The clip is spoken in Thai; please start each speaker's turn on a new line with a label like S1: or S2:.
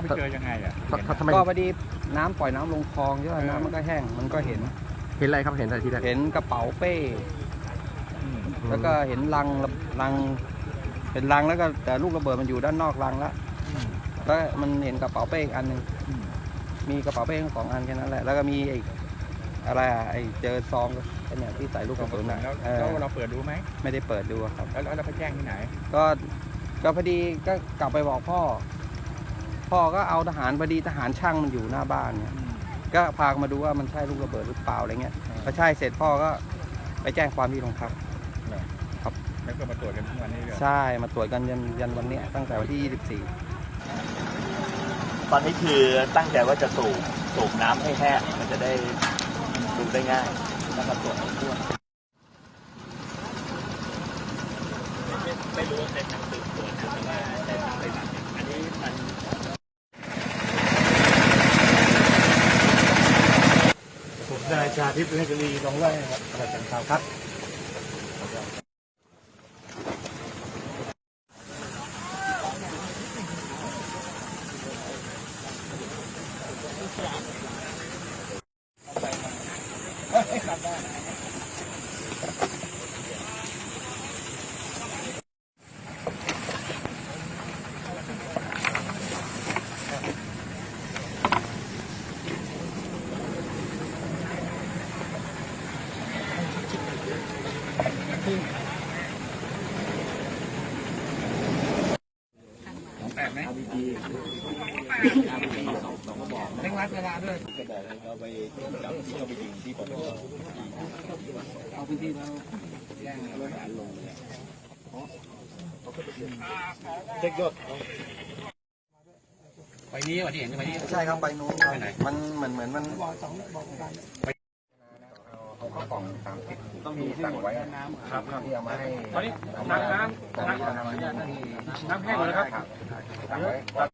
S1: เจอยังไงอ่ะ
S2: ทำไมก็พอดีน้ำปล่อยน้ำลงคลองใช่ไหมน้ำมันก็แห้งมันก็เห็น
S3: อะไรครับเห็นอะไรที่แรก
S2: เห็นกระเป๋าเป้แล้วก็เห็นลังเป็นลังแล้วก็แต่ลูกระเบิดมันอยู่ด้านนอกลังแล้วมันเห็นกระเป๋าเป้อีกอันหนึ่งมีกระเป๋าเป้ทั้ง2 อันแค่นั้นแหละแล้วก็มีอะไรเจอซองเนี่ยที่ใส่ลูกกระสุน
S1: แล้วเราเปิดดูไหม
S2: ไม่ได้เปิดดูครับ
S1: แล้วเราไปแจ้งที่ไหน
S2: ก็พอดีก็กลับไปบอกพ่อก็เอาทหารพอดีทหารช่างมันอยู่หน้าบ้านเนี่ยก็พามาดูว่ามันใช่ลูกระเบิดหรือเปล่าอะไรเงี้ยพอใช่เสร็จพ่อก็ไปแจ้งความที่โรงพักครับ
S1: แล้วก็มาตรวจกันทุกวันนี้เลย
S2: ใช่มาตรวจกันยันวันนี้ตั้งแต่วันที่
S4: ตอนนี้คือตั้งใจว่าจะสูบน้ำให้แห้งมันจะได้ดูได้ง่ายแล้วก็ตรวจทั่วไม่รู้ว่าเป็นทางสืบสวนหรือว่าเป็นทางปฏิบัติอันนี้มันผมนายชาทิพย์เรศรีน้องไร่ครับประจันข่าวครับ
S1: แตกไหมเร่งรัดเวลาด้วยจะบอกให้เขาไปจับที่เขาไปยิงที่ปตท
S2: เอาพื้นที่แล้ว
S1: แจ้งรถลง
S4: เช็คยอด
S1: ไปนี้วันที่เห็นไปนี้
S2: ใช่ครับไปนู้นมันเหมือนมันเอาข้าวกล่อง30ต้องมีสั่งไว้น้ำครับที่เอามาให้
S1: ตอนนี้น้ำแห้งหมดแล้วครับ